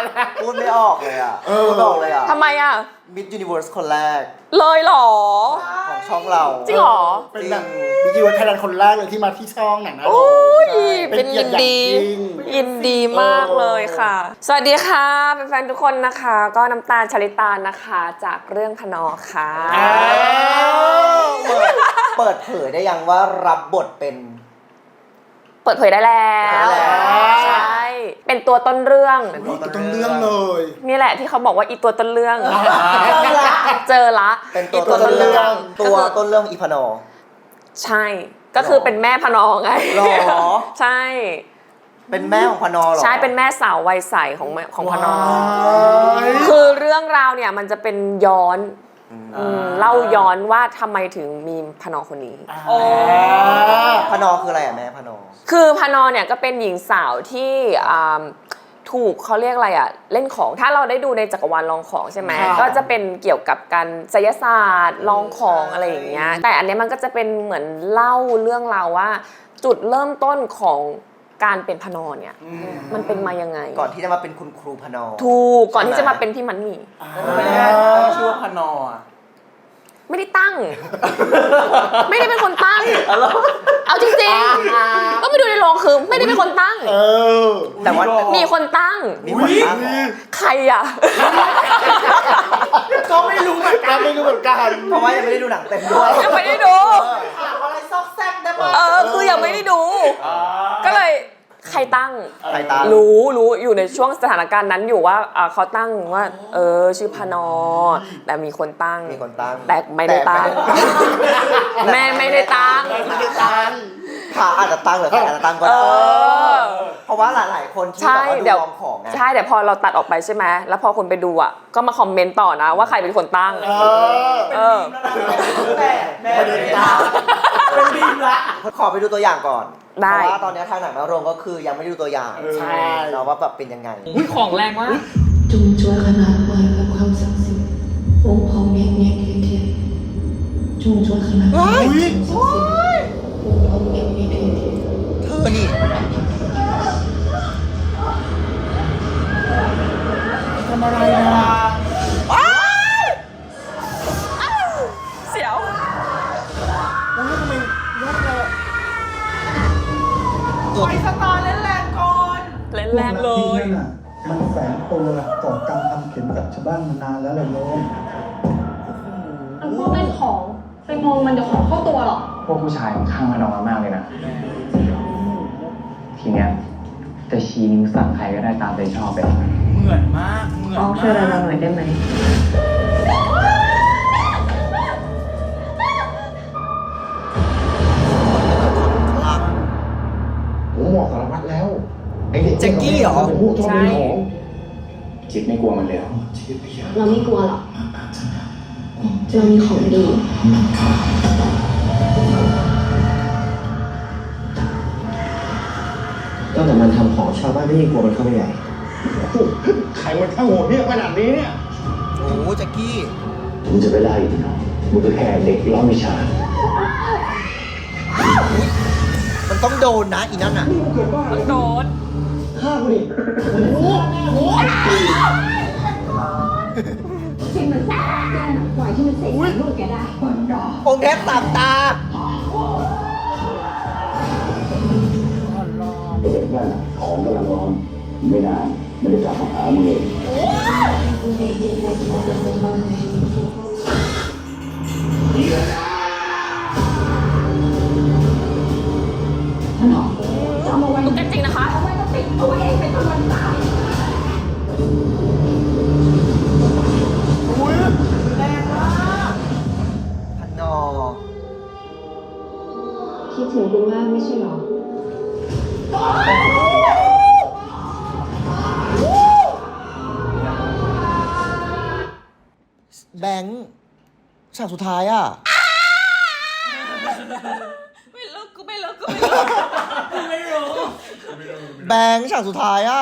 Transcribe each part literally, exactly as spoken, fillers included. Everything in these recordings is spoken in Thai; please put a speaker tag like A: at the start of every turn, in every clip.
A: พูดไม่ออกเลยอ่ะพูดไม่ออกเลยอ่ะ
B: ทำไมอ่ะ
A: มิสยูนิเวิร์สคนแรก
B: เลยเหรอ
A: ของช่องเรา
B: จริงเหรอ
C: เป็นแบบบิกิวไทยแลนด์คนแรกเลยที่มาที่ช่องหนังนะ
B: โอ้ย
C: เป็
B: เป็น
C: นเกีย
B: ยิ
C: ร
B: น
C: ติ
B: ดี
C: อย่างยิ่ง
B: ยินดีมากเลยค่ะ สวัสดีค่ะแฟนๆทุกคนนะคะ ก็น้ำตาลชลิตานะคะจากเรื่องพนอค่ะ
A: เปิดเปิดเผยได้ยังว่ารับบทเป็น
B: เปิดเผยได้แล้ว
A: เปิดเผยได้แล้ว
B: ใช่เป็นตัวต้นเรื่อง
A: เป็น
C: ต้นเรื่องเลย
B: นี่แหละที่เขาบอกว่าอีตัวต้นเรื่อง
A: เจอละ
B: เจอละ
A: เป็นตัว
B: อี
A: ต้นเรื่อง
B: ก็
A: ตัว
B: คือ
A: ต้นเรื่องอีพานอ
B: ใช่ ก็คือเป็นแม่พนอไง
A: หรอ
B: ใช่
A: เป็นแม่ของพานอเหรอ
B: ใช่เป็นแม่สาววัยใสของแม่ของพนอ
C: ว้าย
B: คือเรื่องราวเนี่ยมันจะเป็นย้อน
A: อืม
B: อืมเล่าย้อนว่าทำไมถึงมีพนอคนนี้
C: อ่า
A: พานอคืออะไรอ่ะแม่พานอ
B: คือพนอเนี่ยก็เป็นหญิงสาวที่อ่าถูกเขาเรียกอะไรอะเล่นของถ้าเราได้ดูในจักรวาลลองของใช่ไหม
C: ค่ะ
B: ก็จะเป็นเกี่ยวกับการไสยศาสตร์ลองของอะไรอย่างเงี้ยแต่อันเนี้ยมันก็จะเป็นเหมือนเล่าเรื่องราวว่า จุดเริ่มต้นของการเป็นพนอเนี่ยมันเป็นมายังไง
A: ก่อนที่จะมาเป็นคุณครูพานอ
B: ถูกก่อนที่จะมาเป็นพี่มันนี่
D: ไม่ได้ตั้งชื่อว่าพนออ่ะ
B: ไม่ได้ตั้ง ไม่ได้เป็นคนตั้ง เอาจริงๆ ก็ไปดูในโรงคือไม่ได้เป็นคนตั้ง
C: เออ
A: แต่ว่า
B: มีคนตั้ง
A: มีคนตั้งเหรอ
B: ใครอ่ะ
D: ก็ไม่รู้เหมือนกั
C: ก็
D: น
C: ไม่รู้เหมือนกัน
A: เพราะว่ายังไม่ได้ดูหนังเต็มด้วย
B: ยังไม่ได้ดู
D: อะไรซอกแซกได้ไหม
B: เออ คือยังไม่ได้ดู ก็เลยใครตั้ง
A: ใครตั้ง
B: รู้รู้อยู่ในช่วงสถานการณ์นั้นอยู่ว่าอ่าเขาตั้งว่า เออ ชื่อพนอ แต่มีคนตั้ง
A: มีคนตั้ง
B: แต่ไม่ได้ตั้ง แม่ไม่ได้ตั้ง
C: ไม่ได้ตัง
A: พาอาจจะตั้งหรือใครอาจจะตั้งก็
B: เอ
A: ได้
B: อ
A: เพราะว่าหลายๆคนที่
B: ใช่
A: แบบว่าดู
B: เดี๋ยว
A: ลองของไง
B: ใช่แต่พอเราตัดออกไปใช่ไหมแล้วพอคนไปดูอ่ะก็มาคอมเมนต์ต่อนะว่าใครเป็นคนตั้ง
C: เออ
B: เออ
D: แต่แม่ไม่ได้ตั้งเป็นบีมละ
A: ขอไปดูตัวอย่างก่อน
B: ได้
A: เพราะว่าตอนนี้ทางหนังมาโรงก็คือยังไม่ได้ดูตัวอย่าง
C: ใช่
A: เนาะว่าแบบเป็นยังไง
B: อุ้ยของแรงมาก
E: จงช่วยขนานไว้กับความศักดิ์สิทธิ์องค์พ่อแม่แม่เทียเทียจงช่วยขนานไว้กับความศักดิ์สิทธิ์องค์พ่อแม่แม่เทียเทีย
A: เธอนี่
C: ทำอะไรอ่ะ
B: เสียว
C: โอ้ยทำไมยอดเลย
D: ไปสตาร์เล่นแรงก่อน
B: เล่นแรงเลย
F: นั่นน่ะมันแฝงตัวก่อกรรมทำเข็มกับชาวบ้านมานานแล้วเลยโยม
G: มันพวกเล่นของไปมองมันเดี๋ยวของเข้าตัวหรอก
H: พวกผู้ชายมันข้างมันออกมามากเลยนะ ทีเนี้ยจะชี้นิ้วสั่งใครก็ได้ตามใจชอบไป
D: เหมือนมากเหมือน
E: อ๋อ
D: มาก
E: ช่วยเราหน่อยได้ไหม
F: ผมบอกสารวัตรแล้ว ไอเด็ก
A: แจ็คกี้เหรอ
F: เป็นพวกชอบเล่นของ
H: จิตไม่กลัวมันเลยเหรอ
G: เราไม่กลัวหรอกเรามีของดี
I: ตั้งแต่มันทำของชาวบ้านไม่ยิ่งกลัวมันเข้าไปใหญ่
F: ใครมันข้างโหดเนี่ยขนาดนี้เนี่ย
A: โอ้แจ็คกี้
F: มึงจะไปไล่มันเหรอมึงก็แค่เด็กล้อมวิชา
A: มันต้องโดนนะอีนั่นอ่ะ
B: โดน
F: ฆ่ากูดิ
G: ที่มันแกปล่อยที่มันเสกลูกแกได้
A: องค์เทพสามตา
F: ไอเด็กนั่นน่ะของกำลังร้อนไม่นานไม่ได้กลับมาหามึงเอง
G: ถนอมจะเอามาไว้
B: ตุ๊กแกจริงนะคะ
G: เอาไว้ก็ติดเอาไว้เองเป็นคนวันตาย
A: พานอ
G: คิดถึงคุณมากไม่ใช่หรอ
A: แบงค์ฉากสุดท้ายอ่ะ
B: ไม่เลิกกูไม่เลิกกูไม่เลิก
D: ไม่รู้
A: แบงค์ฉากสุดท้ายอ่ะ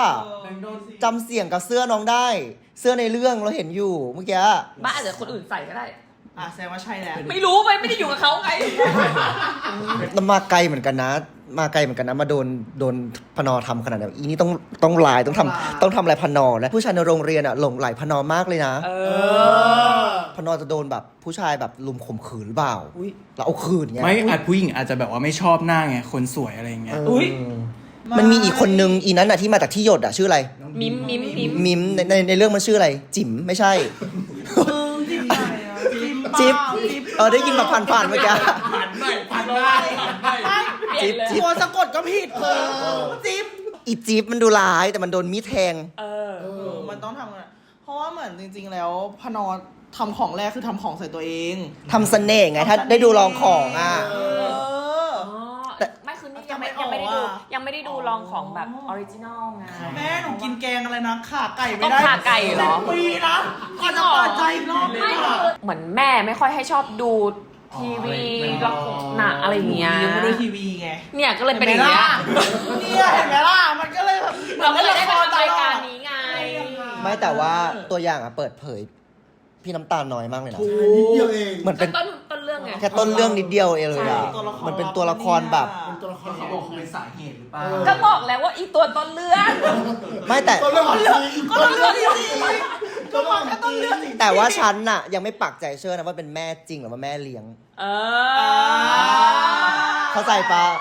A: จำเสียงกับเสื้อน้องได้ เสื้อในเรื่องเราเห็นอยู่เมื่อกี้
B: บ้าอาจจะคนอื่นใส่ก็ได้
D: อ่ะแสดงว่าใช่แล้ว
B: ไม่รู้ไปไม่ได้อยู่กับเขาไง
A: แล้วมาไกลเหมือนกันนะ มาไกลเหมือนกันนะมาโดนโดนพนอทำขนาดนั้นอีนี่ต้องต้องลายต้องทำต้องทำอะไรพนอแล้วผู้ชายในโรงเรียนอ่ะหลงไหลพนอมากเลยนะ
B: เออ
A: พนอจะโดนแบบผู้ชายแบบลุมข่มขืนหรือเปล่าแล้วเอาคืนไง
J: ไม่อาจผู้หญิงอาจจะแบบว่าไม่ชอบหน้าไงคนสวยอะไรเงี้ย
A: อุ้ยมันมีอีกคนนึงอีนั้นอ่ะที่มาจากที่หยดอ่ะชื่ออะไร
B: มิมมิมมิม
A: มิมในในในเรื่องมันชื่ออะไรจิ๋มไม่ใช่
D: จิ้มไหนอ่ะจิ้ม
A: จิ๊บเออได้ยินมาผ่านๆเมื่อกี้
J: ผ่านไม่ผ่านไม่ผ่านไม่
A: จิ๊บจิ๊บ
D: ตัวสะกดก็ผิดเออจิ้ม
A: อีจิ๊บมันดูร้ายแต่มันโดนมีดแทง
B: เออ
D: เออมันต้องทำอะเพราะว่าเหมือนจริง ๆ แล้วพนอทำของแรกคือทำของใส่ตัวเอง
A: ทำเสน่ห์ไงถ้าได้ดูลองของอ่ะ
D: เออ
A: แต่
B: ไม่คือนี่ยังไม่ยังไม่ได้ดูยังไม่ได้ดูลองของแบบออริจินอลไง
D: แม่หนูกินแกงอะไรนะขาไก่ไม่
B: ต้ม
D: ได้
B: ขาไก่เหรอ
D: ปีนะก่อนจะเปิดใจอีกรอบนึ
B: ไม่
D: ง
B: คื
D: อะ
B: อเหมือนแม่ไม่ค่อยให้ชอบดูทีวีละครหนังอะไรอย่างเงี้ย
D: ยังไม่ดูทีวีไง
B: เนี่ยก็เลยเป็นอย่างเงี้ย
D: เนี่ยเห็นไหมล่ะมันก็เลยแบบ
B: เราก็เลยได้มาทำรายการนี้ไง
A: ไม่แต่ว่าตัวอย่างอ่ะเปิดเผย พี่น้ำตาลน้อยมากเลยนะ
C: นิดเดียวเอง
A: เหมือนเป็น
B: ต้นต้นเรื่องไง
A: แค่ต้นเรื่องนิดเดียวเองเลยอ่ะ
D: ตัวละคร
A: มันเป็นตัวละครแบบ
C: เป็นตัวละคร
J: เขาบอกเป็นสาเหตุหรือเปล่า
B: ก็บอกแล้วว่าอีตัวต้นเรื่อง
A: ไม่แต่
C: ตัวเรื่องของชี
D: ก็ต้องเลือกที่สี่ก็มาแค่ต้องเลือกสิ
A: แต่ว่าฉันน่ะยังไม่ปักใจเชื่อนะว่าเป็นแม่จริงหรือว่าแม่เลี้ยง
B: เออ
A: เข้าใจปะ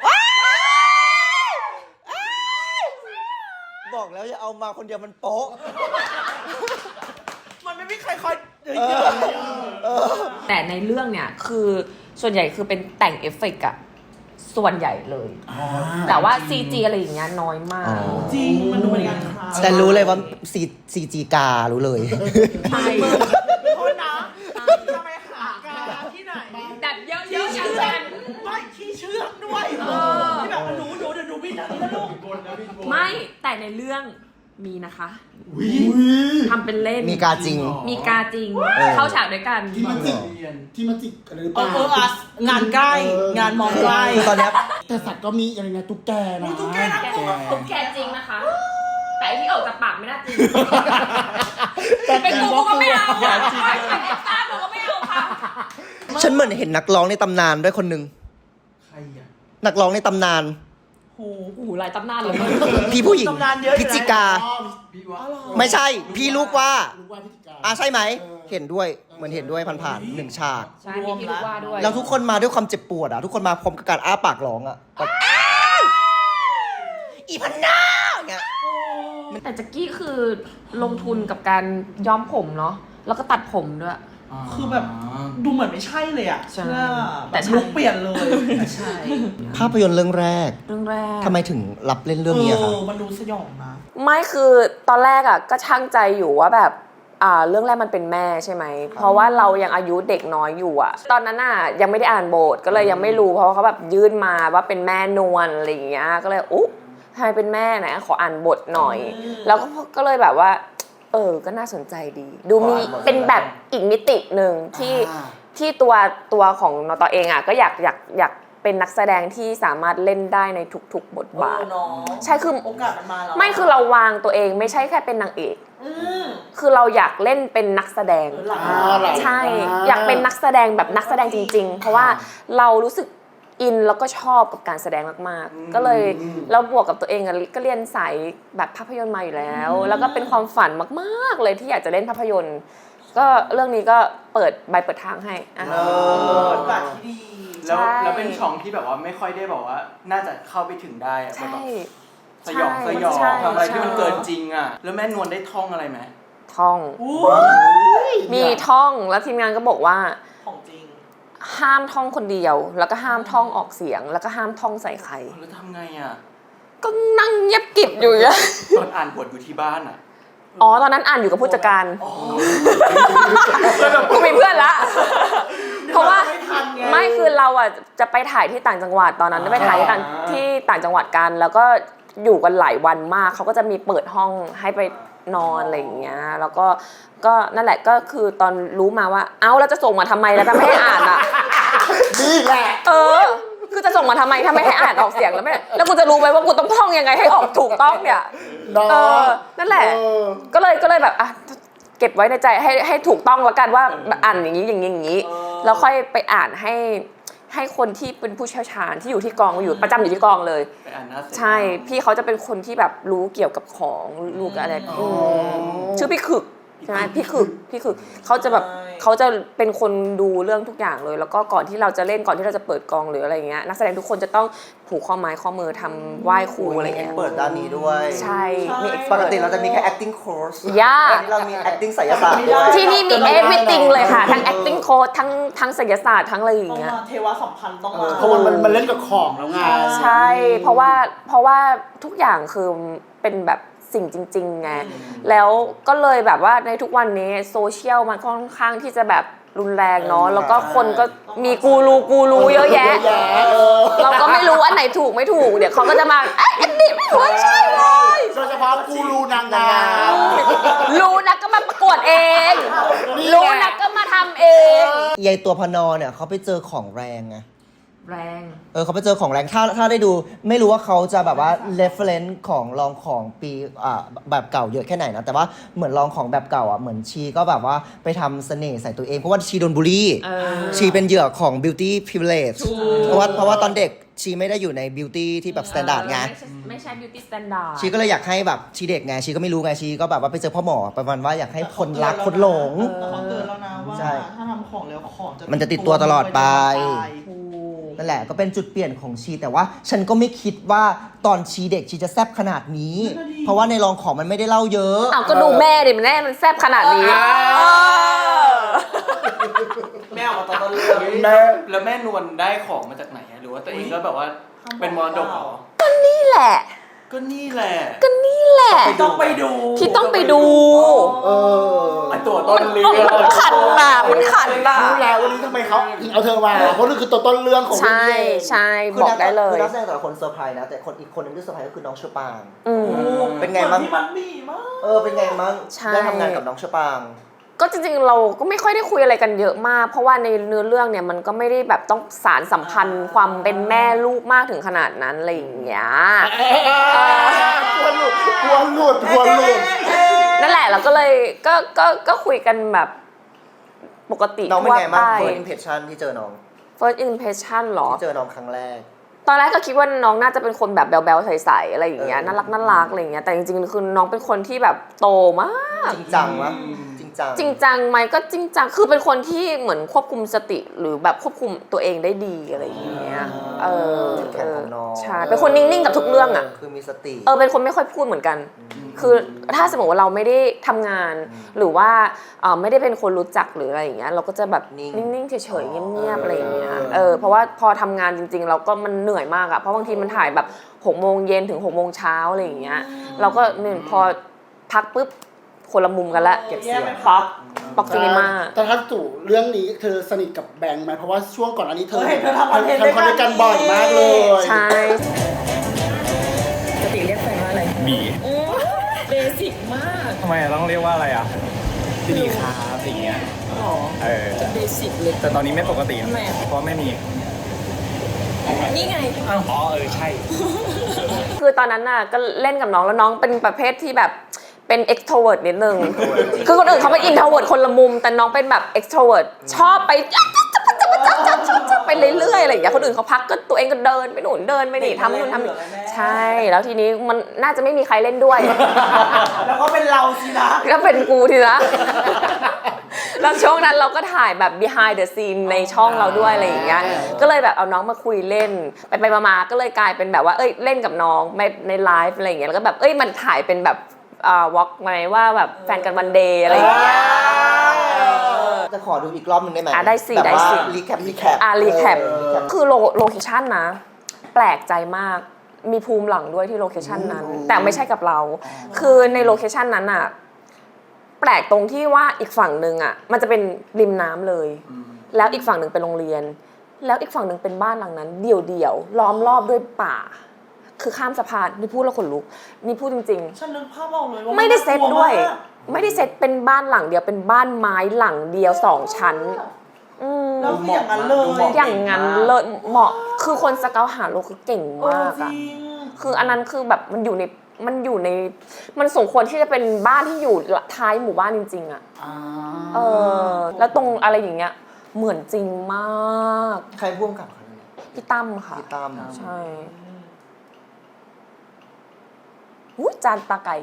A: บอกแล้วอย่าเอามาคนเดียวมันโป๊ะ
D: มันไม่มีใครคอยเย
A: เออ
D: อะ
A: เออ
B: แต่ในเรื่องเนี่ยคือส่วนใหญ่คือเป็นแต่งเอฟเฟกต์อะส่วนใหญ่เลย แต่ว่า ซี จี อะไรอย่างเงี้ยน้อยมาก
D: จริงมันดูเป็นการคลาย
A: แต่รู้เลยว่าซีซีจีการู้เลย
B: ใช่
D: โทษนะจะไปหากาที่ไหน
B: แบบเยอะๆอย่าง
D: เชื่อ
B: นั้น
D: ไม่ที่เชื่อมด้วยที่แบบหนูหนูเดี๋ยวหนูบินทางนี้นะลูก
B: ไม่แต่ในเรื่องมีนะคะทำเป็นเล่น
A: มีกาจริง
B: มีกาจริง
A: เออ
B: เข้าฉากด้วยกัน
C: ที่มาจิกที่มาจิกอะไรหรือเป
D: เอ
C: ล่า
D: อเอออะงานใกล้งานมองใกล้
A: คือตอนเนี้ย
C: แต่สัตว์ก็มีอะไรนะตุ๊กแกนะ
D: ตุ๊กแกนะ
B: แกตุ๊กแกจริงนะคะ แต่ไอ้ที่ออกจากปากไม่น่าจริง เป็นกูกูก็ไม่เอาอ่ะเป็นเอ็กซ์ต้ากูก็ไม่เอาค่ะ
A: ฉันเหมือนเห็นนักร้องในตำนานด้วยคนหนึ่ง
J: ใครอ่ะ
A: นักร้องในตำนาน
D: โอ้โห
B: โอ้โหหลายตำนานเลย
A: พี่ผู้หญิง
D: ตำนานเยอะอยู่นะ
A: พิจิกา
J: พี่ว่า
A: ไม่ใช่ พี่ลูกว่า
C: รู้ว่าพิธีการ
A: อ่ะใช่ไหม เห็นด้วย เหมือนเห็นด้วยผ่านๆหนึ่งฉาก
B: ใช่มีพี่ลูกว่าด้วย
A: แล้วทุกคนมาด้วยความเจ็บปวดอ่ะ ทุกคนมาพร้อมกับการอ้าปากร้องอ่ะแบบอีพันนาเงี้ย
B: แต่แจ็กกี้คือลงทุนกับการย้อมผมเนาะ แล้วก็ตัดผมด้วย
D: คือแบบดูเหมือนไม่ใช่เลยอ่ะ
B: ใช่
D: เชื่อ
B: แต่
D: แต่
B: ใช่
D: ลุกเปลี่ยนเลยใช่
A: ภาพยนตร์เรื่องแรก
B: เรื่องแรก
A: ทำไมถึงรับเล่นเรื่องนี้อะ
D: เอ
A: คะ
D: อมันดูสยองนะ
B: ไม่คือตอนแรกอ่ะก็ช่างใจอยู่ว่าแบบอ่าเรื่องแรกมันเป็นแม่ใช่ไหม เพราะว่าเรายังอายุเด็กน้อยอยู่อ่ะ ตอนนั้นอ่ะยังไม่ได้อ่านบทก็เลยยังไม่รู้เพราะว่าเขาแบบยื่นมาว่าเป็นแม่นวลอะไรอย่างเงี้ยก็เลยอุ๊ทำไมเป็นแม่ไหนขออ่านบทหน่อย แล้วก็ก็เลยแบบว่าเออก็น่าสนใจดี ดูมีเป็นแบบอีกมิติหนึ่งที่ที่ตัวตัวของนตเองอ่ะก็อยากอยากอยากเป็นนักแสดงที่สามารถเล่นได้ในทุกๆบทบาท
D: เออเนาะ
B: ใช่คือ
D: โอกาสมันมาแล้ว
B: ไม่คือเราวางตัวเองไม่ใช่แค่เป็นนางเอก
D: อืม
B: คือเราอยากเล่นเป็นนักแสดง
D: หลัง
C: อ่าหลัง
B: ใช่ อยากเป็นนักแสดงแบบนักแสดงจริง ๆ เพราะว่าเรารู้สึกอินแล้วก็ชอบกับการแสดงมากๆ ก็เลยแล้วบวกกับตัวเองอะก็เรียนสายแบบภาพยนตร์มาอยู่แล้ว แล้วก็เป็นความฝันมากๆเลยที่อยากจะเล่นภาพยนตร์ ก็เรื่องนี้ก็เปิดใบเปิดทางให้อ่ะ
D: เออโอกาสที่ดี
J: แล้ว
B: ใช่
J: แล้วเป็นช่องที่แบบว่าไม่ค่อยได้บอกว่า น่าจะเข้าไปถึงได้อะ
B: ใช่
J: แบบสยองสยอง
B: ใช่
J: ทำอะไรที่
B: ใช่
J: มันเกินจริงอ่ะ แล้วแม่นวลได้ท่องอะไรไหม
B: ท่อง มีท่องแล้วทีมงานก็บอกว่า
D: ของจริง
B: ห้ามท่องคนเดียว แล้วก็ห้ามท่องออกเสียง แล้วก็ห้ามท่องใส่ใคร
J: แล้วทำไงอ่ะ
B: ก็นั่งเงียบกริบอยู่อย่าง
J: ตอนอ่านบทอยู่ที่บ้านอ่ะ
B: อ๋อตอนนั้นอ่านอยู่กับผู้จัดการกูมีเพื่อนละ เพราะว่า
D: ไม่ทันไง
B: ไม่คือเราอ่ะจะไปถ่ายที่ต่างจังหวัดตอนนั้นไปถ่ายที่ต่างที่ต่างจังหวัดกัน แล้วก็อยู่กันหลายวันมากเขาก็จะมีเปิดห้องให้ไปนอนอะไรอย่างเงี้ยแล้วก็ก็นั่นแหละก็คือตอนรู้มาว่าเอ้าแล้วจะส่งมาทำไมแล้วถ้าไม่ให้อ่านอ่ะ
C: นี่แหละ
B: เออ คือจะส่งมาทำไมถ้าไม่ให้อ่านออกเสียงแล้วไม่แล้วกูจะรู้ไหมว่ากูต้องท่องยังไงให้ออกถูกต้องเนี่ย
C: เนาะ
B: เออนั่นแหละ
C: เออ
B: ก็เลยก็เลยแบบอ่ะเก็บไว้ในใจให้ให้ถูกต้องแล้วกันว่าอ่านอย่างนี้อย่างนี้อย่างนี้แล้วค่อยไปอ่านให้ให้คนที่เป็นผู้เชี่ยวชาญที่อยู่ที่กองอยู่ประจำอยู่ที่กองเลยใช่พี่เขาจะเป็นคนที่แบบรู้เกี่ยวกับของรู้กับอะไรชื่อพี่ขึกใช่ไหมพี่ขึกพี่ขึกเขาจะแบบเขาจะเป็นคนดูเรื่องทุกอย่างเลยแล้วก็ก่อนที่เราจะเล่นก่อนที่เราจะเปิดกองหรืออะไรเงี้ยนักแสดงทุกคนจะต้องผูกข้อไม้ข้อมือทำไหว้ครูอะไรเงี้ย
A: เปิดด้านนี้ด้วย
B: ใช่มี
A: ปกติเราจะมีแค่ acting course
B: ยาก
A: เรามี acting ไสยศาสตร์ด้วย
B: ที่นี่มี everything เลยค่ะทั้ง acting coach ทั้งทั้งศิลปศาสตร์ทั้งอะไรอย่าง
D: ต้อง
B: เงี้ย
D: มาเทวสัมพันธ์ต้องมา
C: เพราะมันมันมันเล่นกับของแล้วไง
B: ใช่ เพราะว่าเพราะว่าทุกอย่างคือเป็นแบบสิ่งจริงๆไงแล้วก็เลยแบบว่าในทุกวันนี้โซเชียลมันค่อนข้างที่จะแบบรุนแรงเนาะแล้วก็คนก็มีกูรูกูรูเยอะแยะ เราก็ไม่รู้อันไหนถูกไม่ถูกเดี๋ยวเขาก็จะมาเอ้ยอันนี้ไม่ควรใช่เลย
C: โดยเฉพาะกูรูนางงาม
B: รู้นะก็มาประกวดเองรู้นะก็มาทำเอง
A: ยายตัวพนอเนี่ยเขาไปเจอของแรงไง
B: แรง
A: เออเขาไปเจอของแรงถ้าถ้าได้ดูไม่รู้ว่าเขาจะแบบว่า reference ของลองของปีอ่าแบบเก่าเยอะแค่ไหนนะแต่ว่าเหมือนลองของแบบเก่าอ่ะเหมือนชีก็แบบว่าไปทำเสน่ห์ใส่ตัวเองเพราะว่าชีโดนบูลลี่ชีเป็นเหยื่อของ beauty privilege เพราะว่าเพราะว่าตอนเด็กชีไม่ได้อยู่ใน beauty ที่แบบ standard ไง
B: ไม่ใช่ beauty standard
A: ชีก็เลยอยากให้แบบชีเด็กไงชีก็ไม่รู้ไงชีก็แบบว่าไปเจอพ่อหมอประมาณว่าอยากให้คนรักคนหลง
D: แต่เขาเตือนแล้วนะว่า
A: ใช่
D: ถ้าทำของแล้วของจะ
A: มันจะติดตัวตลอดไป
D: ถูก
A: นั่นแหละก็เป็นจุดเปลี่ยนของชีแต่ว่าฉันก็ไม่คิดว่าตอนชีเด็กชีจะแซ่บขนาดนี้ เพราะว่าในรองของมันไม่ได้เล่าเยอะ
B: อ้าวก็ดูแม่ดิมันแน่มันแซ่บขนาดนี้
J: แม่ออกมาตอนต้นเรื่อง
C: แม่
J: แล้วแม่นวลได้ของมาจากไหนอะหรือว่าตัวเองก็แบบว่าเป็นมรดกเหรอ
B: นี่แหละ
J: ก็นี่แหละ
B: ก็นี่แหละ
J: ต้องไปดู
B: ที่ต้องไปดู
C: เออ
J: ไอตัวต้นเรื่อง
B: มันขันน่ะมันขันน่ะ
C: รู้แล้ววันนี้ทำไมเขาเอาเธอมาเพราะนี่คือตัวต้นเรื่องของ
B: ใช่ใช่บอกได้เลย
A: คือนักแสดงแต่ละคนเซอร์ไพรส์นะแต่คนอีกคนนึงที่เซอร์ไพรส์ก็คือน้องเชอปาง
B: อืม
A: เป็นไงบ้าง
D: ที่มันมีมาก
A: เออเป็นไงบ้าง
B: ใช่
A: ได้ทำงานกับน้องเชอปาง
B: ก็จริงๆเราก็ไม่ค่อยได้คุยอะไรกันเยอะมาก เพราะว่าในเนื้อเรื่องเนี่ยมันก็ไม่ได้แบบต้องสารสัมพันธ์ความเป็นแม่ลูกมากถึงขนาดนั้นอะไรอย่างเงี้ย
C: กลัวหลุดกลัวหลุดกลัวหลุด
B: นั่นแหละเราก็เลยก็ก็ก็คุยกันแบบปกติ
A: น้องเป็นไงบ้าง
B: ทั่ว
A: first
B: ไป
A: impression ที่เจอน้อง
B: first impression หรอ
A: ที่เจอน้องครั้งแรก
B: ตอนแรกก็คิดว่าน้องน่าจะเป็นคนแบบแบ๊วๆใสๆอะไรอย่างเงี้ย
A: เออ
B: น่ารักน่ารักอะไรอย่างเงี้ยแต่จริงๆคือน้องเป็นคนที่แบบโตมาก
A: จริงจังวะจริงจัง
B: จริงจังไหมก็จริงจังคือเป็นคนที่เหมือนควบคุมสติหรือแบบควบคุมตัวเองได้ดีอะไรอย่างเงี้ยเออ
A: จุดแข็งของน้อง
B: ใช่เป็นคนนิ่งๆกับทุกเรื่องอ่ะ
A: คือมีสติ
B: เออเป็นคนไม่ค่อยพูดเหมือนกัน คือถ้าสมมติว่าเราไม่ได้ทำงาน หรือว่าเออไม่ได้เป็นคนรู้จักหรืออะไรอย่างเงี้ยเราก็จะแบบ
A: นิ่ง
B: นิ่งๆเฉยๆเงียบๆอะไรอย่างเงี้ยเออเพราะว่าพอทำงานจริงๆ เราก็มันเหนื่อยมากอะเพราะบางทีมันถ่ายแบบหกโมงเย็นถึงหกโมงเช้าอะไรอย่างเงี้ยเราก็เนี่ยพอพักปุ๊บคนละมุมกันละ
C: เก็บเสียง
B: ป๊อกป๊อกซีนีมา
C: แต่ถ้าจู่เรื่องนี้เธอสนิทกับแบงค์ไหมเพราะว่าช่วงก่อนอันนี้เธอ
D: เออเห็นเธอทำคอนเทนต์
C: ทำคอนเทนต์กันบ่อยมากเลย
B: ใช่
K: ปกติเรียกแฟนว่าอะไร
L: บี
K: เบสิกมาก
L: ทำไมต้องเรียกว่าอะไรอ่ะพี่ดีครับอย่างเงี้ย
K: หรอ
L: เออ
K: เบสิกเลย
L: แต่ตอนนี้ไม่ปกติ
K: ทำไมอ่ะ
L: เพราะไม่มี
K: นี่ไง
L: อ้าวอ๋อเออใช่
B: คือตอนนั้นน่ะก็เล่นกับน้องแล้วน้องเป็นประเภทที่แบบเป็น extrovert นิดนึง คือคนอื่นเขาเป็น introvert คนละมุม แต่น้องเป็นแบบ extrovert ชอบไปไปเรื่อยๆอะไรอย่างเงี้ยคนอื่นเขาพักก็ตัวเองก็เดินไปหนุนเดินไปนี่ทำนู่นทำนี่ใช่ แล้วทีนี้มันน่าจะไม่มีใครเล่นด้วย
D: แล้วก็เป็นเราสินะ
B: ก็เป็นกูทีละแล้วช่วงนั้นเราก็ถ่ายแบบ behind the scene ในช่องเราด้วยอะไรอย่างเงี้ย ก็เลยแบบเอาน้องมาคุยเล่น ไปไปมาๆก็เลยกลายเป็นแบบว่า เอ้ยเล่นกับน้องในในไลฟ์อะไรอย่างเงี้ย แล้วก็แบบ เอ้ยมันถ่ายเป็นแบบอ่าวอล์กไหมว่าแบบแฟนกันวันเดย์อะไรอย่างเงี้ย
A: จะขอดูอีกรอบหนึงได้ไหม
B: อ่ะได้สิ
A: แบบ
B: ได้
A: ว่า
B: สิ
A: รีแคปรีแคป
B: อ่ะรีแคปคือโลโลเคชั่นนะ แปลกใจมาก มีภูมิหลังด้วยที่โลเคชั่นนั้น แต่ไม่ใช่กับเรา คือในโลเคชั่นนั้นอ่ะ แปลกตรงที่ว่าอีกฝั่งหนึ่งอ่ะ มันจะเป็นริมน้ำเลย แล้วอีกฝั่งหนึ่งเป็นโรงเรียน แล้วอีกฝั่งหนึ่งเป็นบ้านหลังนั้น เดี่ยวๆล้อมรอบด้วยป่า คือข้ามสะพานนี่พูดแล้วขนลุกนี่พูดจริง
D: ฉันนึกภาพออกเลยว่า
B: ๆ ไม่ได้เซตด้วย
D: น่ากลัมาก
B: ไม่ได้เซตเป็นบ้านหลังเดียวเป็นบ้านไม้หลังเดียวสองชั้นอืม
D: แล้วคืออย่างนั้นเลย
B: อย่างนั้นเลยเหมาะคือคนสเกาหาโลคือเก่ง
D: เออ
B: มาก
D: จ
B: อะ
D: ริง
B: คืออันนั้นคือแบบมันอยู่ในมันอยู่ในมันสมควรที่จะเป็นบ้านที่อยู่ท้ายหมู่บ้านจริงๆอะเออแล้วตรงอะไรอย่างเงี้ยเหมือนจริงมาก
A: ใครพ่วงกับเขาเนี่ย
B: พี่ตั้มค่ะ
A: พี่ตั้ม
B: ใช่หูจานตาไก่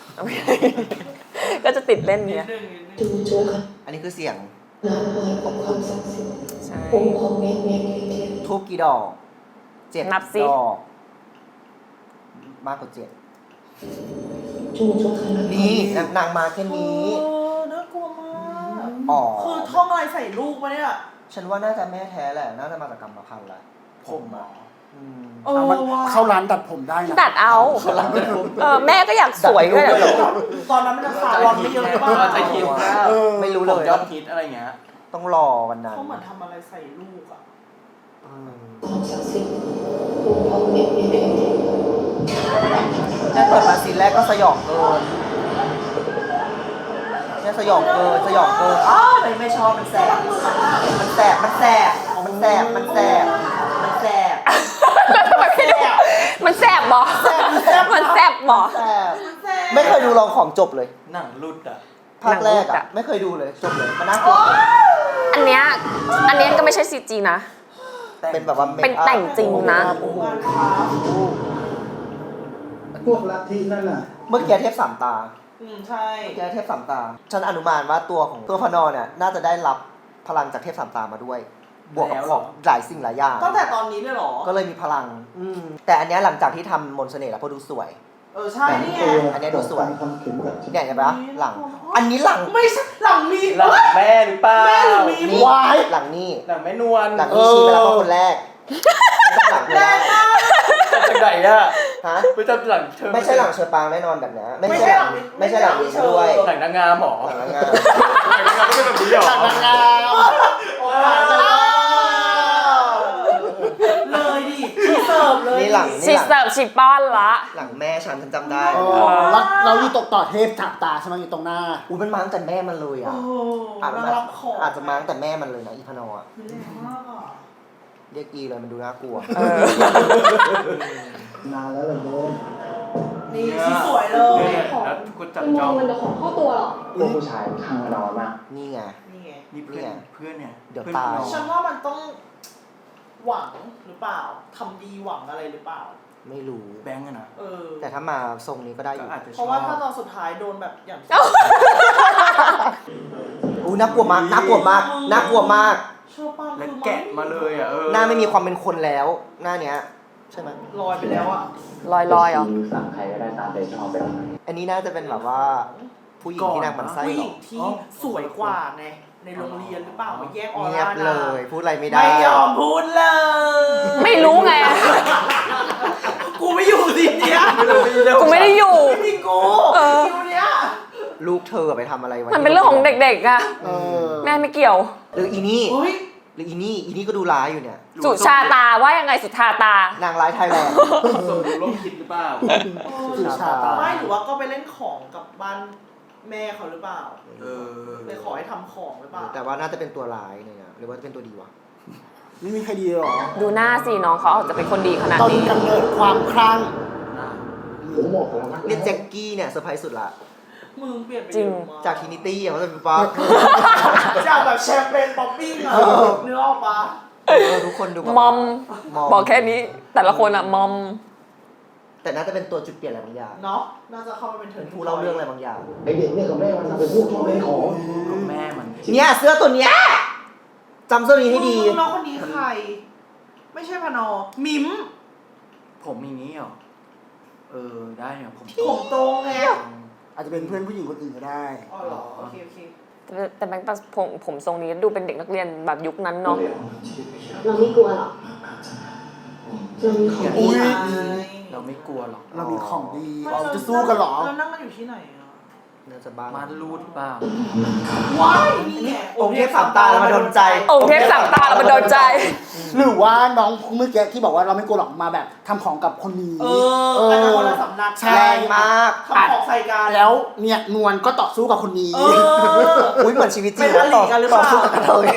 B: ก็จะติดเล่นเนี้ย
E: จูโจข
A: อันนี้คือเสียง
E: นาดไม้กับความศักดิ์สิทธิ์
B: ใช่
E: องค์ของแม่แม่เทียน
A: ทูบกี่ดอกเจ็ด
B: นับสิ
A: ดอก มากกว่าเจ็ด
E: จูโจขนาด
A: นี่นางนางมาแค่
D: เอ
A: นี้
D: อน่ากลัวมาก
A: อ๋อ
D: คือท่องอะไรใส่ลูกมาเนี่ย
A: ฉันว่าน่าจะแม่แท้แหละ น่าจะมาจากกรรมพันธุ์แหละผมอ่ะอืม
D: เออ
C: เอามัน
D: ว่ะ
C: เข้าร้านตัดผมได้นะ
B: ตัดเอาเออแม่ก็อยากสวยก็อยาก
D: ตอนนั้นมันราคาร้อนไม่เยอะหรือเปล่า
J: เราจะคิดว่า
A: เออไม่รู้เลย
J: ผมยอดฮิตอะไรเงี้ย
A: ต้องรอวันนั้น
D: เขาเหมือนทำอะไรใส่ลูกอ่ะ
A: อืม
E: ความศักดิ์สิทธิ์องค์ของแม่แม่เทียน
A: แค่เปิดมาซีนแรกก็สยองเกินแค่สยองเกินสยองเกินอ้าวไม่ไม่ชอบมันแสบมันแสบมันแสบมันแสบมันแสบมันแสบ
B: มันแสบบ่มันแสบบ่
A: แสบไม่เคยดูลองของจบเลย
J: หนังรุดอ่ะ
A: ภาคแรก
B: หนังรูป
A: อ่ะ
B: อะ
A: ไม่เคยดูเลยจบเลยมันน่ากลัว
B: อันเนี้ยอันเนี้ยก็ไม่ใช่ ซี จี นะ
A: เป็นแบบว่า
B: เป็นแต่งจริงนะ
D: งานค้า
F: พวกลัทธินั่นน่ะ
A: เมื่อกี้เทพสามตา
D: อืมใช่
A: เมื่อกี้เทพสามตา ฉันอนุมานว่าตัวของตัวพนอเนี่ยน่าจะได้รับพลังจากเทพสามตามาด้วย บวกกับของหลายสิ่งหลายอย่าง
D: ตั้งแต่ตอนนี้เลยเหรอ
A: ก็เลยมีพลัง อืมแต่อันเนี้ยหลังจากที่ทำมนต์เสน่ห์แล้วพอดูสวย
D: เออใช่นี่ไง
A: อันเนี้ยดูสวย
F: ทำเข็มกัดชะ
A: เนี่ย
F: บ้าน
A: เห็นปะหลัง อันนี้หลัง
D: ไม่ใช่หลังมี
J: หลังแม่หรือเปล่า
D: แม่หรือมี
A: นี่
C: วาย
A: หลังนี่
J: หลังแม่นวล
A: หลังนี้ชี้ไปแล้วก็คนแรกหลังไม่
D: แร
A: ได้
D: งมาก
J: จากไหนอ่ะ
A: ฮะ
J: ไม่จำหลังเธอ
A: ไม่ใช่หลังเชอปางแน่นอนแบบเนี้ยไม่
D: ไม่
A: ใช่
D: ใช่
A: ห
D: หลั
A: ลัง
D: ง
A: ไม่ใช่หลังนี้ด้วย
J: หลังนางงามหรอ
A: หลังนางงาม
J: หลังนางงามก็เป็นแบบนี้หรอ
C: จากนางงาม
D: เลยดิชีเสิร์ฟเลย
A: นี่หลัง
B: ชี
A: นี่หลัง
B: เสิร์ฟชีป้อนละ
A: หลังแม่ฉันฉันจำได้
C: เออแล้วเราอยู่ตกต่อเทพถักตาใช่ไหมอยู่ตรงหน้า
A: อุ้ยมันมาตั้งแต่แม่มันเลย
D: โอ้
A: อ่ะ
D: โห
A: อาจจะ
D: นางรับของ
A: อาจจะมาตั้งแต่แม่มันเลยนะอีพนออ่ะ
D: แรงมากอ่ะ
A: เรียกอีเลยมันดูน่ากลัว
B: เออ
F: นานแล้วเลยโยม
D: นี่ชีสวยเลย
J: แล้วคุณจับ
G: ไปม
J: จ
G: อ
J: อง ง
G: มันจะของเข้าตัวเหรอ
H: พวกผู้ชายข้างนอนมาก
A: นี่ไง
D: นี่ไง
J: นี่เพื่อนเพื่อนเนี่ย
A: เดี๋ยว
J: พื่อน
A: ตาย
J: น้อง
D: ฉันว่ามันต้องหวังหรือเปล่าทำดีหวังอะไรหรือเปล่า
A: ไม่รู้
J: แบงก์อะนะ
D: เออ
A: แต่ถ้ามาทรงนี้ก็ได้อ
J: ก็
A: ยู่
J: อาจจะช
D: เพ
J: อบ
D: ราะว่าถ้าตอนสุดท้ายโดนแบบอย่าง
A: อู้น่ากลัวมากน่ากลัวมากน่ากลัวมาก
D: เชื่อป้า
J: และ
D: คือ
J: แกะมาเลยอ่ะเออ
A: หน้าไม่มีความเป็นคนแล้ว หน้าเนี้ยใช่ไหม
D: ลอยไปแล้วอ่ะ
B: ลอยลอยๆเหรอ
H: ชีนิ้วสั่งใครก็ได้ตามใจชอบไปแล้ว
A: อันนี้น่าจะเป็นแบบว่า ผู้หญิงที่นางหมันไส้
D: ผู้ห
A: หร
D: ญิ
A: อง
D: ที่สวยกว่าไงในโรงเรียนหรือเปล่ามาแยกออ
A: เงีย
D: ร่า
A: บ
D: นะ
A: เลย พูดอะไรไม่ได้
D: ไม่ยอมพูดเลย
B: ไม่รู้ไง
D: กูไม่อยู่ทีเนี้ย
B: กูไม่ได้อยู่
D: ไม่มีกู
B: เออ
D: คิวเนี้ย
A: ลูกเธอไปทำอะไรไว้
B: มันเป็นเรื่องของเด็กๆอะ
A: เออ
B: แม่ไม่เกี่ยว
A: หรืออีนี่
D: เฮ้ย
A: หรืออีนี่อีนี่ก็ดูร้ายอยู่เนี่ย
B: สุชาตาว่ายังไงสุชาตา
A: นางร้ายไทยแลนด์
J: สมรู้ร่วมคิดหรือเปล่า
A: สุชาตา
D: ไม่หรือว่าก็ไปเล่นของกับบ้านแม่เขาหรือเปล่า
J: เออ
D: ไปขอให้ทำของหรือเปล่า
A: แต่ว่าน่าจะเป็นตัวร้ายเนี่ยนะหรือว่าจะเป็นตัวดีวะ
C: ไม่มีใครดีหรอ
B: ดูหน้าสิน้องเขาอาจจะเป็นคนดีขนาด
C: ต้น
B: นี้
C: กำเนิดความคลั่ง
F: ผมบอกแล้วนะ
A: เนี่ยแจ็คกี้เนี่ยเซอร์ไพรส์สุดละ
D: มึงเปลี่ยนไป
B: จริง
D: เยอะม
A: จากทินิตี้เขาจะเป็นป๊อก
D: จากแบบแชมเปญป๊อปปิ้งอะเนื้อออกปะ
A: เออทุกคนดูแบบ
B: มอม
A: มอม
B: บอกแค่นี้ แต่ละคนอะมอม
A: แต่น่าจะเป็นตัวจุดเปลี่ยนอะไรบางอย่าง
D: เนาะน่าจะเข้ามาเป็นเทิ
A: เป็
D: ร์
A: น
D: น
A: ผู้เล่าเรื่องอะไรบางอย่าง
F: ไอเด็กเนี่ยกับแม่มันเป็นพวกชอบเล่นของ
J: ลูกแม่มัน
A: เนี่ยเสื้อตัวเนี้ยจำเสื้อนี้ให้ดี
D: น้องคนนี้ใคร ไม่ใช่พนอมิม
J: ผมอย่างนี้เหรอ เออได้เนี่ยผม
D: ผมตรงไง
C: อาจจะเป็นเพื่อนผู้หญิงคนอื่นก็ได้
D: อ๋อเหรอโอเคโอเค
B: แต่แต่แบงค์ตัดผมผมทรงนี้ดูเป็นเด็กนักเรียนแบบยุคนั้นเนาะ
E: เราไม่กลัวหรอกเรามีของดี
C: อุ๊ย
J: เราไม่กลัวหรอก
C: เรามีของดีเราจะสู้กันเหรอ
D: เรานั่งกันอยู่ที่ไหนอะ
A: น่าจะบ้า
J: มันรูดเปล่า
D: ว้ายนี่ไง
A: องค์เทพสามตาแล้วมาโดนใจ
B: องค์เทพสามตาเรามาโดนใจ
C: หรือว่าน้องเมื่อกี้ที่บอกว่าเราไม่กลัวหรอกมาแบบทำของกับคนนี้
D: เอออันนั้นคนละสำนัก
C: ใช่
A: แรงมาก
D: ทำของใส่กัน
C: แล้วเนี่ยนวลก็ต่อสู้กับคนนี้
D: เออ
A: อุ้ยเหมือนชีวิตจริง
D: เป็นอริกันหรือเปล่า
A: ต่สู้กับกระเทย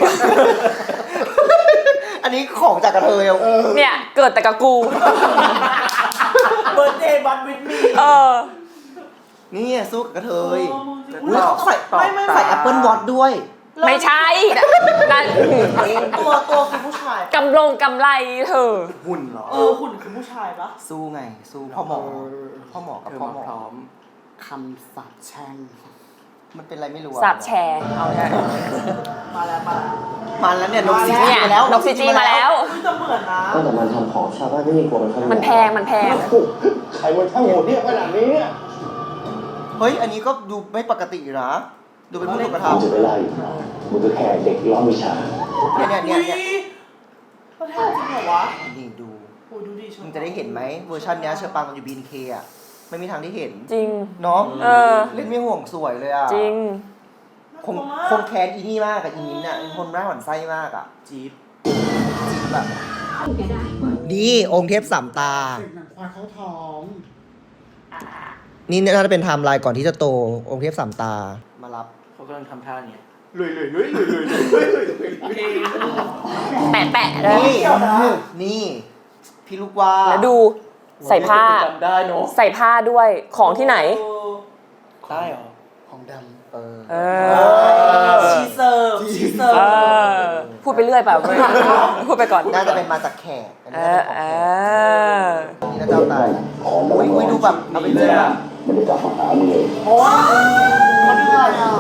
A: อันนี้ของจากกระเทย
B: เนี่ย เกิดแต่กับกู
D: เบิร์ดเดย์บบัตวิดมี
B: เออ
A: นี่สู้กับกระเทย
D: อุ๊ย
A: ใส่
D: ไม่ไม่
A: ใส่ Apple Watch ด้วย
B: ไม่ใช่นั่น
D: ตัวตัวคือผู้ชาย
B: กำลงกำไรเธอ
A: หุ่นเหรอ
D: เออหุ่นคือผู้ชายปะ
A: สู้ไง สู้พ่อหมอ พ่อหมอกับ
J: เธอ
A: พ่อ
J: มา
A: หมอ
J: พร้อม
C: คำสาปแช่ง
A: มันเป็นอะไรไม่รู้อะ
B: สาบแชร์เอาได้
D: มาแล้วมาแล้ว
A: มันแล้วเนี่ยนกซีจี
B: เนี่ย
A: มาแล้ว
B: นกซีจีมาแล้ว
D: อุ๊ยจะเหมือนนะ
I: ตั้งแต่มันทำของชาวบ้านไม่มีกลัวมันเข้าไป
B: มันแพงมันแพง
F: ใครวันช่างโหดเนี่ยขนาดนี้เนี่ย
A: เฮ้ย อันนี้ก็ดูไม่ปกติอยู่นะ ดูเป็นผู้ถูกกระท
F: มันจะไปไล่มันก็แค่เด็กล้อมวิชา
A: ำเนี่ยเนี่ย
D: อุ้
A: เนี่ย
D: ย
A: เนี่ย
D: เขาแทนจริงเหรอวะ
A: นี่ดู
D: โอ้ยดูดิ
A: มึงจะได้เห็นไหมเวอร์ชันเนี้ยเชอปังตอนอยู่บีนเคอะไม่มีทางได้เห็น
B: จริง
A: เนาะ
B: เออ
A: เล่นไม่ห่วงสวยเลยอะ
B: จริง
A: คงคงแค้นอีนี่มากกับอีมิ้นท์อะเป็นคนร่าหวั่นไส้มากอะจี๊บจี๊บแบบนี่องค์เทพสามตา
C: เสกหนังควายเข้าท้อง
A: นี่น่าจะเป็นไทม์ไลน์ก่อนที่จะโตองค์เทพสามตามารับ
J: เขากำลังทำท่าเนี่ย
A: ลุยลุยลุยลุยลุยลุย
B: แปะแปะเลย
A: นี่นี่พี่ลูกว่า
B: แล้วดูใส่ผ้า
J: จำได้เนอะ
B: ใส่ผ้าด้วยของที่ไหน
J: ได้เหรอ
C: ของด
A: เออ
B: เอ
D: เอ
B: อ
D: อชีเซิร์ฟชีเซิร์
B: เอ
D: ฟ
B: อ พูดไปเรื่อยเปล่าเว้ยพูดไปก่อน
A: น่าจะเป็นมาจากแขกอัน
B: เอ
A: นี้
B: อ
A: น่าจะ
B: เอ
A: ของแขกนี่น่าจะเอาตายอุ้ยอุ้ยดูแบบเอาไปเรื่อยอะ
F: มันจะกลับมาหามึงเลย
C: ำโอ้ยเขาเดือดอ่ะ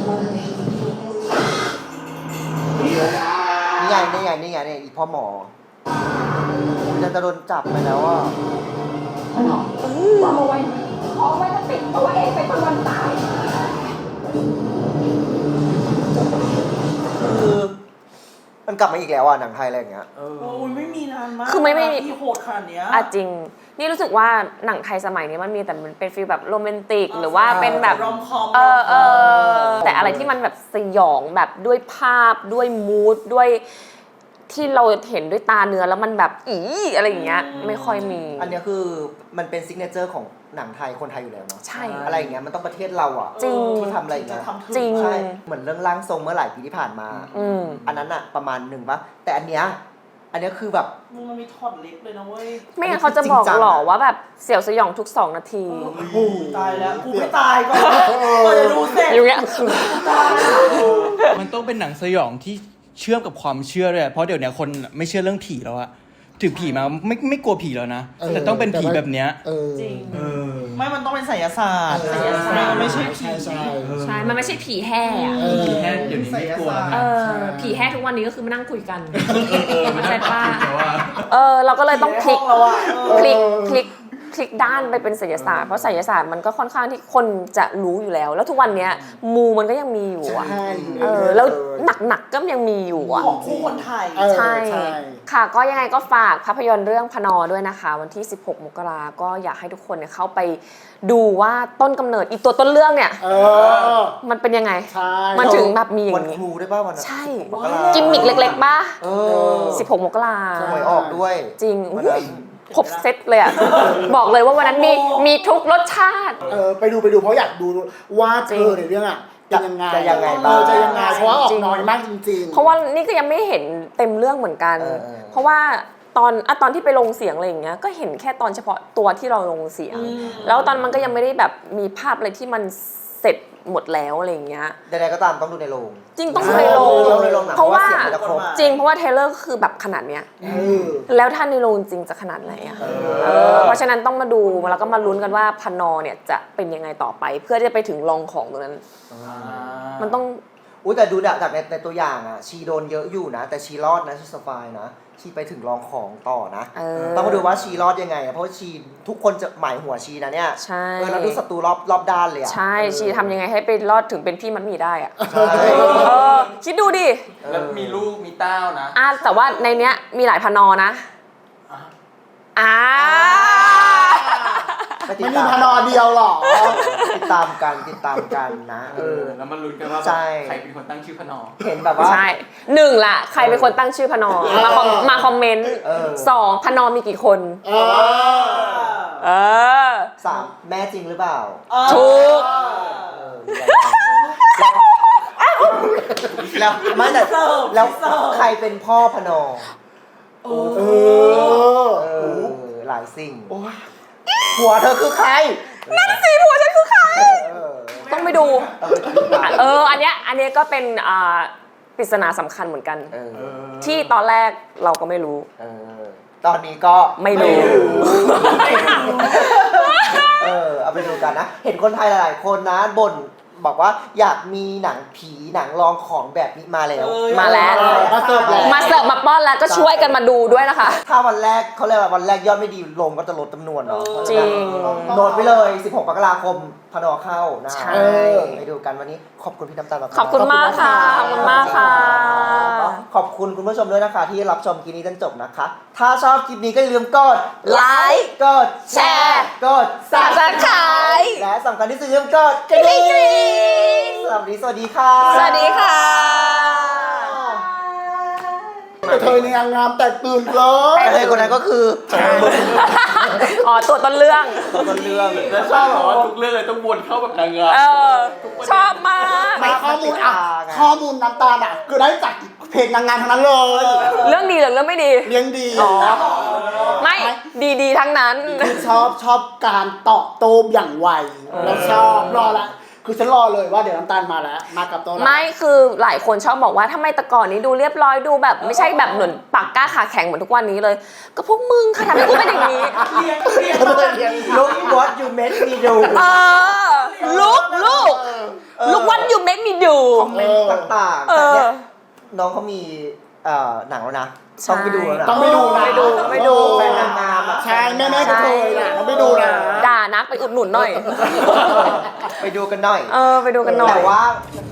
A: นี่ไงนี่ไงนี่ไงเนี่ยอีพ่อหมออุ๊ยน่าจะโดนจับไปแล้วอ่ะ
G: วางเอาไว้เอาไว้จะติดตัวเองไปจนวันตาย
A: คือมันกลับมาอีกแล้วอ่ะหนังไทยอะไรอย่างเงี้ย
J: เออ
D: โอ้ยไม่มีนานมาก
B: คือไม่ไม่มี
D: ที่โหดขนาดเนี้ย
B: อ่ะจริง นี่รู้สึกว่าหนังไทยสมัยนี้มันมีแต่มันเป็นฟีลแบบโรแมนติก หรือว่าเป็นแบบ
D: รอมคอม
B: เออเออแต่อะไรที่มันแบบสยองแบบด้วยภาพด้วยมูดด้วยที่เราเห็นด้วยตาเนื้อแล้วมันแบบอีอะไรอย่างเงี้ยไม่ค่อยมี
A: อันเนี้ยคือมันเป็นซิกเนเจอร์ของหนังไทยคนไทยอยู่แล้วเนาะ
B: ใช่
A: อะไรอย่างเงี้ยมันต้องประเทศเราอ่ะ
B: จริง
A: ที่ทำอะไรอย่างเงี้ย
D: จะทำถึง
B: จริง
A: ใช่เหมือนเรื่องร่างทรงเมื่อหลายปีที่ผ่านมา
B: อืม
A: อันนั้นอะประมาณหนึ่งปะแต่อันเนี้ยอันเนี้ยคือแบบ
D: มึงมันมีถอดเล็บเลยนะเว้ย
B: ไม่งั้นเขาจะบอกหรอว่าแบบเสียวสยองทุกสองนาที
D: ตายแล้วกูไม่ตายก่อนก่อนจะดูเสร็จ
B: อยู่เงี้ย
D: ตายแล้ว
L: มันต้องเป็นหนังสยองที่เชื่อมกับความเชื่อด้วยเพราะเดี๋ยวนี้คนไม่เชื่อเรื่องผีแล้วอะถึงผีมาไม่ไม่กลัวผีแล้วนะ แต่ต้องเป็นผีแบบเนี้ย
C: เออ
D: จริง
L: เออ
D: ไม่มันต้องเป็นไสยศาสตร์
C: ไสยศาสตร์
D: มันไม่ใช่ผี
C: ใช่ใช่
B: ใช่ มันไม่ใช่ผีแห่อะ
C: เออ
L: ผีแค่เดี๋ยวนี้ไม่กลัว
B: เอ
L: นะ
B: อ ผีแห่ทุกวันนี้ก็คือมานั่งคุยกัน
L: เออมันน่า
B: ใช่ปะ
L: แต่ว่า
B: เออ เราก็เลยต้องพลิก
D: ในห้องเราอะเออ
B: พลิกพลิกพลิกด้านไปเป็นไสยศาสตร์เพราะไสยศาสตร์มันก็ค่อนข้างที่คนจะรู้อยู่แล้ว แล้วทุกวันเนี้ยมูมันก็ยังมีอยู่อะ
C: ใช่
B: เออแล้วหนักๆก็ยังมีอยู่อะ
D: ของคู่คนไทย
C: เออ
B: ใช่
C: ใช่
B: ค่ะก็ยังไงก็ฝากภาพยนตร์เรื่องพนอด้วยนะคะ วันที่สิบหกมกราก็อยากให้ทุกคนเนี่ยเข้าไปดูว่าต้นกำเนิดอีตัวต้นเรื่องเนี่ย
C: เออ
B: มันเป็นยังไง
C: ใช่
B: มันถึงแบบมีอย่า
A: วัน
B: งนี้
A: ครูได้ป่ะวันนั้น
B: ใช่
A: มกรา
B: กิมมิกเล็กๆป่ะ
A: เออ
B: สิบหกมกรา
A: หวยออกด้วย
B: จริง
A: วัน
B: อุ๊
A: นั้
B: ย
A: น
B: ครบเซตเลยอ่ะ บอกเลยว่าวันนั้นมีมีทุกรสชาติ
C: เออไปดูไปดูเพราะอยากดูว่าเธอในเรื่องอ่ะจะยังไง
A: จะยังไง
C: เอ
A: บ้าง
C: อจะยังไงเพราะว่าออ
B: จริ
C: ก
B: ง
C: น้อยมากจริงๆ
B: เพราะว่านี่ก็ยังไม่เห็นเต็มเรื่องเหมือนกัน
A: เออเออ
B: เพราะว่าตอนอะตอนที่ไปลงเสียงอะไรอย่างเงี้ยก็เห็นแค่ตอนเฉพาะตัวที่เราลงเสียง แล้วตอนมันก็ยังไม่ได้แบบมีภาพอะไรที่มันเสร็จหมดแล้วอะไรอย่างเงี้ย
A: ใดๆก็ตามต้องดูในโรง
B: จริงต้องดูในโรง
A: ต้องดูในโรงหนัง
B: เพราะว่า
A: เพราะว่าเสียงมันจะครบ
B: จริงเพราะว่าเทเลอร์คือแบบขนาดเนี้ย
C: เออ
B: แล้วถ้าในโรงจริงจะขนาดไหนอ่ะเออเพราะฉะนั้นต้องมาดูแล้วก็มาลุ้นกันว่าพนอเนี่ยจะเป็นยังไงต่อไป เพื่อที่จะไปถึงรองของตรงนั้น มันต้อง
A: อุ้ยแต่ดูจากในในตัวอย่างอ่ะ ชีโดนเยอะอยู่นะ แต่ชีรอดนะชีสปายนะชีไปถึงรองของต่อนะ
B: เออ
A: ต้องมาดูว่าชีรอดยังไงอะเพราะว่าชีทุกคนจะหมายหัวชีนะเนี่ย
B: ใช่
A: เออแล้วดูศัตรูรอบรอบด้านเลยอะ
B: ใช่ชีทำยังไงให้ไปรอดถึงเป็นพี่มัดหมีได้อ่ะ
A: ใช่
B: เออคิดดูดิ
J: แล้วมีลูกมีเต้านะ
B: อ่ะแต่ว่าในเนี้ยมีหลายพนอนะอ่า
A: ไปติด
C: ไม่มี
A: ตาม
C: พนอเดียวหรอ
A: ติดตามกันติดตามกันนะ
J: เออ แล้วมาลุ้นกันว่า
A: ใช่
J: ใครเป็นคนตั้งชื่อพนอ
A: เห็นแบบว่า
B: ใช่หนึ่งล่ะ ใครเป็นคนตั้งชื่อพนอมาคอมมาคอมเมนต์
A: เออ
B: สองพนอมีกี่คน
C: เออ
B: เออ
A: สามแม่จริงหรือเปล่า
B: ถูก
A: เออแล้วไม่แต่แล้วใครเป็นพ่อพนอ
C: เออ
A: เออหลายสิ่งผัวเธอคือใคร
B: นั่นสิผัวฉันคือใคร
A: เออ
B: ต้องไปดู เออ อันเนี้ย อันเนี้ยก็เป็นอ่าปริศนาสำคัญเหมือนกัน
A: เออ
B: ที่ตอนแรกเราก็ไม่รู้
A: เออตอนนี้ก็
B: ไม่รู้
A: เออเอาไปดูกันนะ เห็นคนไทยหลายๆคนนะบ่นบอกว่าอยากมีหนังผีหนังลองของแบบนี้มาแล้ว
B: มาแล้ว
C: มาเสิร์ฟแล้ว
B: มาเสิร์ฟมาป้อนแล้วก็ช่วยกันมาดูด้วยนะคะ
A: ถ้าวันแรกเขาเรียกว่าวันแรกยอดไม่ดีลงก็จะลดจำนวนเนาะ
B: จริง
A: โน้ตไปเลย สิบหก มกราคมพนอเข้านะ
B: ใช่
A: เออไปดูกันวันนี้ขอบคุณพี่น้ำตาลมากๆ
B: ขอบคุณมากค่ะ ขอบคุณมากค่ะ
A: ขอบคุณคุณผู้ชมด้วยนะคะ ที่รับชมคลิปนี้จนจบนะคะ ถ้าชอบคลิปนี้ก็อย่าลืมกด
B: ไลค์
A: กดแชร์กด
B: Subscribe
A: และสำคัญที่สุดอย่าลืมกดกระดิ่งสวัสดีสวัสดีค่ะ
B: สวัสดีค่ะ
C: แต่เธอในงามแต่ตื่นเลย
A: แต่เลยคนนั้นก็คือ
B: อ๋อ ตัวต้นเรื่อง
A: ต้นเรื่อง
J: แล้วชอบแบบว่าทุกเรื่องเลยต้องวนเข้าแบบนางงาม
B: เออ ชอบมาก
C: ไม่ข้อมูลอ่ะข้อมูลน้ำตาลอ่ะคือได้จากเพจนางงามทั้งนั้นเลย
B: เรื่องดีหรือเรื่องไม่ดี
C: เลี้ยงดี
B: อ๋อ ไม่ดีๆทั้งนั้น
C: คือชอบชอบการตอบโต้อย่างไวแล้วชอบรอละคือฉันรอเลยว่าเดี๋ยวน้ำตาลมาแล้วมากับตัวเรา
B: ไม่คือหลายคนชอบบอกว่าทำไมแต่ก่อนนี้ดูเรียบร้อยดูแบบไม่ใช่แบบเหมือนปากกล้าขาแข็งเหมือนทุกวันนี้เลย ก็พวกมึงค่ะทำให้กูเป็นอย่างนี้
A: ลุก what you make me do
B: เออลุกลูกลูกวันอยู่เมคมีดู
A: คอมเมนต์ต่างๆ
B: เอ
A: แต่
B: อ
A: เนี่ยน้องเขามีเอ่อหนังแล้วนะ ต้องไปดูแล้วนะ
C: ต้องไปดูนะ
B: ไปดูไปดู
A: แฟนนางงามอ่ะ
C: ใช่แม่แม่ก็เคยนะต้องไปดูนะ
B: ด่านักไปอุดหนุนหน่อย
A: ไปดูกันหน่อย
B: เออ ไปดูกันหน่อย
A: แต่ว่า